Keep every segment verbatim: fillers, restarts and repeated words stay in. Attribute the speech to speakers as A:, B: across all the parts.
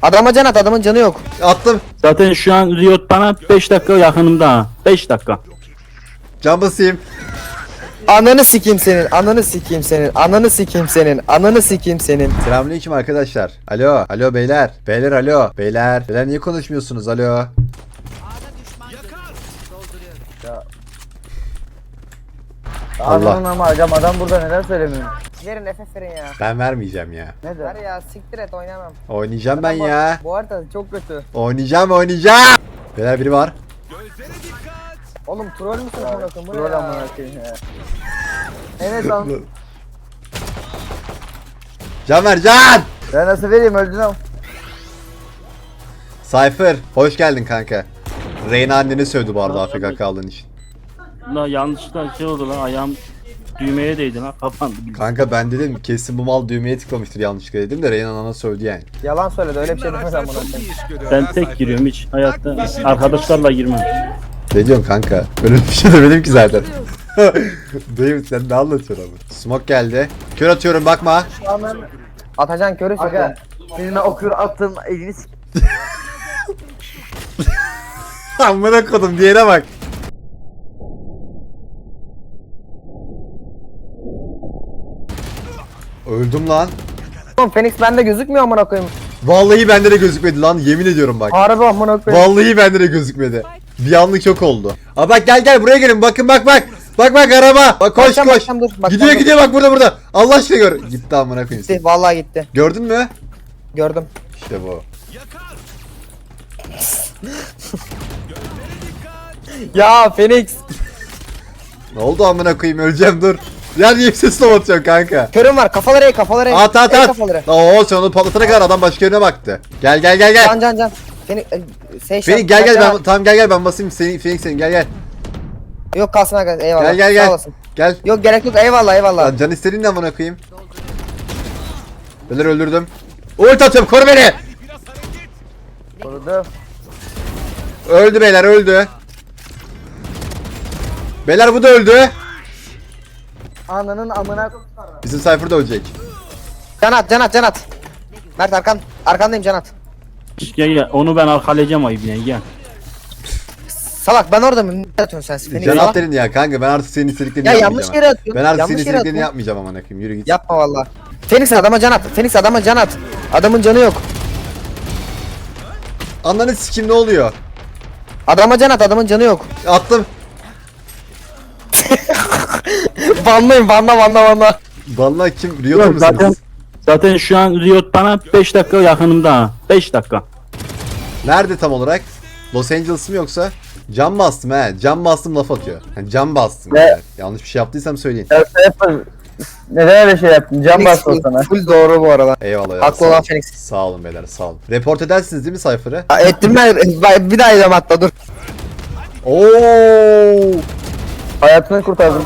A: Adama can at, adamın canı yok.
B: Attım.
C: Zaten şu an Riot bana beş dakika yakınımda ha. beş dakika.
B: Can basayım.
A: Ananı sikeyim senin, ananı sikeyim senin, ananı sikeyim senin, ananı sikeyim senin.
B: Selamünaleyküm arkadaşlar. Alo. Alo beyler. Beyler alo. Beyler. Beyler niye konuşmuyorsunuz? Alo. Allah.
D: Anladın ama hocam adam burada neden söylemiyor?
A: Verin F F verin ya.
B: Ben vermeyeceğim ya.
D: Neden?
A: Ver ya, siktir et, oynamam.
B: Oynayacağım ben ya.
A: Bu harita çok kötü.
B: Oynayacağım oynayacağım. Beyler biri var.
A: Oğlum troll müsün amına koyayım? Bu ne
D: Rol
A: ya?
D: amına koyayım ya. Evet lan.
B: Can ver can.
D: Ben nasıl vereyim öldün ama.
B: Cypher. Hoş geldin kanka. Reyna anneni sövdü bu arada A F K kaldığın için.
C: La yanlışlıkla şey oldu lan, ayağım düğmeye değdi lan, kapandı.
B: Kanka ben dedim kesin bu mal düğmeye tıklamıştır yanlışlıkla dedim de Reyna ana sövdü yani.
A: Yalan söyledi, öyle bir şey demez amına koyayım.
C: Ben tek giriyorum, hiç hayatta arkadaşlarla girmem.
B: Ne diyorsun kanka? Öyle bir şey demedim ki zaten. Dayım sen ne anlatıyorsun abi? Smoke geldi. Kör atıyorum bakma.
A: Atacan körü
D: Aga.
A: söyle.
D: Senin okur attığın elini s***.
B: Amına kodum diğerine bak. Öldüm lan.
A: Oğlum Phoenix bende gözükmüyor amına koyayım.
B: Vallahi bende de gözükmedi lan, yemin ediyorum bak.
A: Harbi amına koyayım.
B: Vallahi bende de gözükmedi. Bir anlık çok oldu. Aa bak gel gel buraya gelin, bakın bak bak. Bak bak araba. Bak koş
A: Bakacağım,
B: koş.
A: bakacağım, dur, bakacağım,
B: gidiyor
A: dur.
B: gidiyor bak burada burada. Allah aşkına gör. Gitti amına koyayım.
A: Gitti, vallahi gitti.
B: Gördün mü?
A: Gördüm.
B: İşte bu.
A: Ya Phoenix.
B: Ne oldu amına koyayım, öleceğim dur. Ya niye ses atıyorsun kanka?
A: Körüm var, kafaları ey, kafaları ey.
B: At at
A: Ey
B: at.
A: kafaları.
B: Oo sen onu patlatana kadar adam başka yerine baktı. Gel gel gel gel.
A: Can can can. Phoenix, e, şey
B: Phoenix gel gel ben tamam gel gel ben basayım seni Phoenix senin gel gel.
A: Yok kalsın aga, eyvallah.
B: Gel gel
A: Sağ
B: gel.
A: olasın.
B: Gel.
A: Yok gerek yok, eyvallah eyvallah.
B: Lan can istediğin de amına koyayım. Beyler öldürdüm. Ult atıyorum, koru beni.
D: Korudu.
B: Öldü beyler, öldü. Beyler bu da öldü.
D: Ananın amına.
B: Bizim Cypher da ölecek.
A: Can at, can at, can at. Mert arkan, arkandayım, can at.
C: Gel gel, onu ben arkalayacağım ayıp yine, gel.
A: Salak ben orada mı? Ne atıyorsun sen? Phoenix
B: Can
A: salak.
B: at dedin ya kanka, ben artık senin istediklerini
A: Ya
B: yapmayacağım.
A: yanlış yere atıyorsun.
B: Ben artık
A: yanlış
B: senin
A: yere
B: istediklerini
A: atıyorsun.
B: yapmayacağım amına koyayım, yürü git.
A: Yapma valla. Phoenix adama can at. Phoenix adama can at. Adamın canı yok.
B: Ananı sikim ne oluyor?
A: Adama can at, adamın canı yok.
B: Attım.
A: Banlayın, banla banla banla.
B: Vallahi kim? Riot
C: Yok,
B: musunuz?
C: zaten zaten şu an Riot bana beş dakika yakınımda ha. beş dakika.
B: Nerede tam olarak? Los Angeles mı yoksa? Cam bastım he. Cam bastım laf atıyor. Yani cam bastım.
D: Ne?
B: Yani. Yanlış bir şey yaptıysam söyleyin.
D: Ya Cypher. Neden öyle şey yaptın? Can
A: Phoenix
D: bastı o
A: full,
D: sana.
A: full doğru bu arada.
B: Eyvallah ya.
A: Haklı
B: sağ
A: olan
B: olun.
A: Phoenix.
B: Sağ olun beyler, sağ olun. Report edersiniz değil mi Cypher'ı?
A: Ha, ettim ben. Ben- Bir daha edeceğim hatta, dur.
B: Oo!
D: Hayatını kurtardım.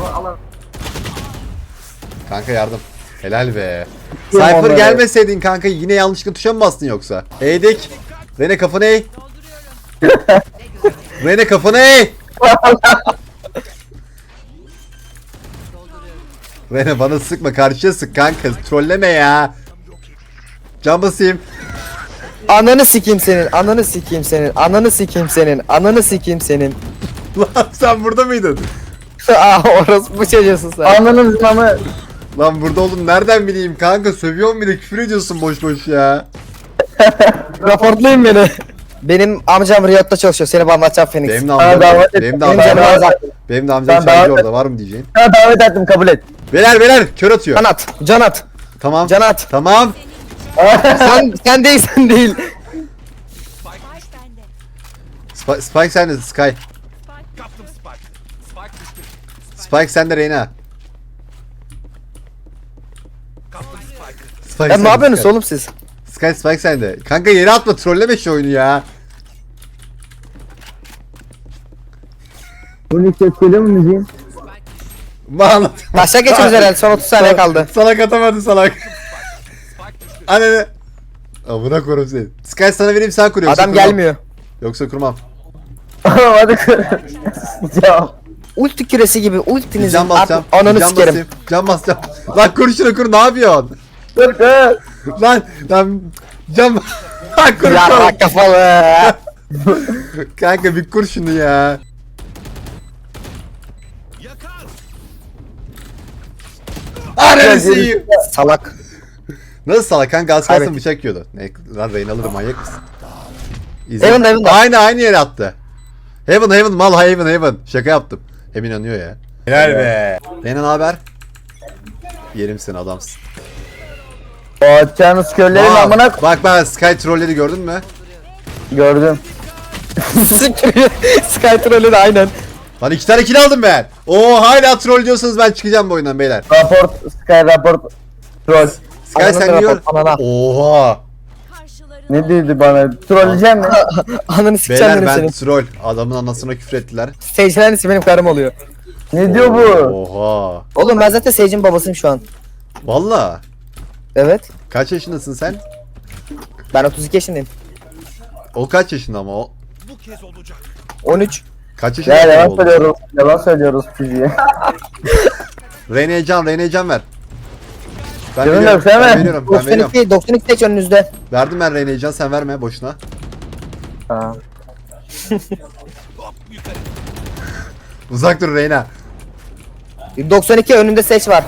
B: Kanka yardım. Helal be.
D: Yok
B: Cypher
D: onları.
B: gelmeseydin kanka yine yanlışlıkla tuşa mı bastın yoksa? Eğdik. Rene kafanı eğ. Rene kafanı eğ. Rene bana sıkma, karşıya sık kanka. Trolleme ya. Can basayım.
A: Ananı sikeyim senin, ananı sikeyim senin, ananı sikeyim senin, ananı sikeyim senin.
B: Lan sen burada mıydın?
A: Aa orası bu çocuğusun sen.
D: Ananın zımamı.
B: Lan burada oldum nereden bileyim kanka, sövüyorsun bir de küfür ediyorsun boş boş ya.
A: Raportlayın beni. Benim amcam Riyad'da çalışıyor. Seni banlatacağım Phoenix.
B: Benim de
D: Sana
B: amcam,
D: davet et.
B: benim de
A: Benim
B: amcam,
A: canım azak.
B: benim de amcam
D: Sana
B: çaycı
D: davet et.
B: orada, var mı diyeceğin?
D: Sana davet ettim kabul et.
B: Beyler beyler kör atıyor.
A: Can at. Can at.
B: Tamam.
A: Can at.
B: Tamam.
A: sen sen değil, sen değil.
B: Spike, Spike sende Sky. Spike sende Reyna. Spike
A: Ya
B: sende,
A: ne yapıyorsunuz
B: Sky.
A: oğlum siz?
B: Sky Spike sende. Kanka yere atma, trolleme şu oyunu ya.
D: Bunu ses geliyor mu müziğin?
B: Bağlat.
A: Taşa geçiyoruz herhalde. Son otuz saniye kaldı.
B: Salak atamadı salak. Anne. Amına koyayım seni. Sky sana vereyim, sen kur yoksa
A: Adam
B: kurmam.
A: gelmiyor.
B: Yoksa kurmam.
D: Hadi kur. Cevap.
A: Ulti küresi gibi ultinizi
B: Can basacağım.
A: artık ananı
B: Can
A: sikerim.
B: basayım. Can basacağım. Lan kur şunu kur, ne yapıyorsun?
D: Dur dur.
B: Lan lan can kur
A: Ya
B: kur.
A: bak kafalı.
B: Kanka bir kur şunu ya. Ananı
A: Salak.
B: Nasıl salak kanka az kalsın
A: Evet.
B: bıçak yiyordu. Ne lan Rain alırım manyak mısın? İzle.
A: Heaven, Heaven'da.
B: Aynı aynı yere attı. Heaven Heaven mal Heaven Heaven. Şaka yaptım. Hem inanıyor ya. Helal be. Reyna ne haber? Yerim seni adamsın.
D: O atacağınız köllerin
B: Aa,
D: amına
B: bak bak Sky trolleri gördün mü?
D: gördüm.
A: Sky Troll'ü de aynen.
B: Lan iki tane kill aldım ben. Oo hala troll diyorsanız ben çıkacağım bu oyundan beyler.
D: Raport, Sky raport. Troll.
B: Sky
A: Ananı
B: sen
A: rapor,
B: diyor.
A: anana.
B: Oha.
D: Ne dedi bana? Trolleyeceğim mi?
A: Ananı sikeceğim
B: Beyler
A: benim
B: ben
A: senin.
B: troll. Adamın anasına küfür ettiler.
A: Sage'in annesi benim karım oluyor.
D: Ne diyor bu?
B: Oha.
A: Oğlum ben zaten Sage'in babasıyım şu an.
B: Valla.
A: Evet.
B: Kaç yaşındasın sen?
A: Ben otuz iki yaşındayım.
B: O kaç yaşında ama o?
A: on üç.
B: Kaç yaşında?
D: Ya yalan
B: oldu?
D: söylüyoruz. Yalan söylüyoruz çocuğa.
B: Reyna'ya can, Reyna'ya can ver. Ben
D: Canım
B: veriyorum,
D: yok, sen
B: ben
D: ver.
B: veriyorum, ben veriyorum.
A: doksan iki, doksan iki Sage önünüzde.
B: Verdim ben Reyna'ya can, sen verme boşuna.
D: Ha.
B: Uzak dur Reyna.
A: doksan iki önünde Sage var.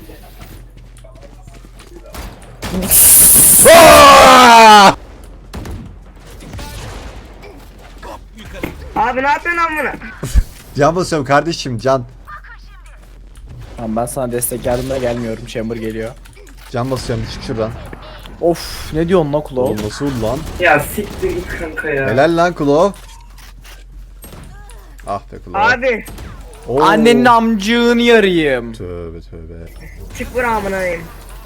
E: Abi ne yapıyorsun lan bunu?
B: Can basıyorum kardeşim, can.
F: Tamam ben sana destek yardımına gelmiyorum. Chamber geliyor.
B: Can basıyorum, çık şuradan.
F: Of ne diyorsun lan Klo?
B: Oğlum nasıl oldu lan?
E: Ya siktir git kanka ya.
B: Helal lan Klov. Ah be Klov.
E: Abi
B: Oo.
F: Annenin amcığını yarayım.
B: Tövbe tövbe.
E: çık bura amına koyayım.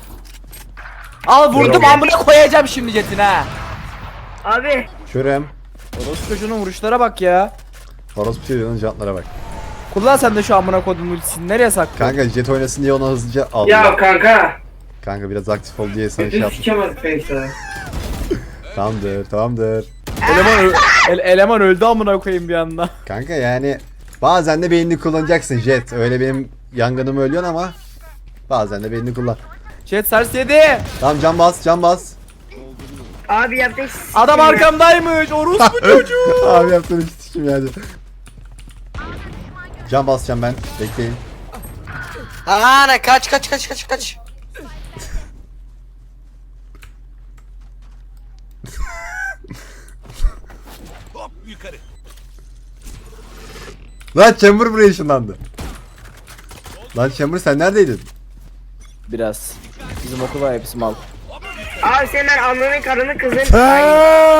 F: Al vurdum amına koyacağım şimdi Jet'in ha.
E: Abi
B: Körem.
F: Orospu çocuğunun vuruşlara bak ya.
B: Orospu çocuğunun jantlara bak.
F: Kullan sen de şu amına kodum ultisini nereye saklıyorsun?
B: Kanka jet oynasın diye onu hızlıca aldım.
E: ya kanka.
B: Kanka biraz aktif ol diye sana şey
E: Bütün
B: yaptım.
E: sikemez Face'e.
B: Tamamdır, tamamdır.
F: Eleman, ö- ele- eleman öldü amına koyayım bir anda.
B: Kanka yani bazen de beynini kullanacaksın jet. Öyle benim yangınımı ölüyorsun ama bazen de beynini kullan.
F: Jet sers yedi.
B: Tamam can bas, can bas.
E: Abi yaptın sikim
F: Adam
E: ya.
F: arkamdaymış. Orospu çocuğu.
B: Abi yaptığın hiç sikim yani. Can basacağım ben. Bekleyin.
A: Ana kaç kaç kaç kaç kaç.
B: Lan Chamber buraya ışınlandı. Lan Chamber sen neredeydin?
F: Biraz. Bizim okul var hepsi mal.
E: Abi sen ben annenin karını kızın. Ay,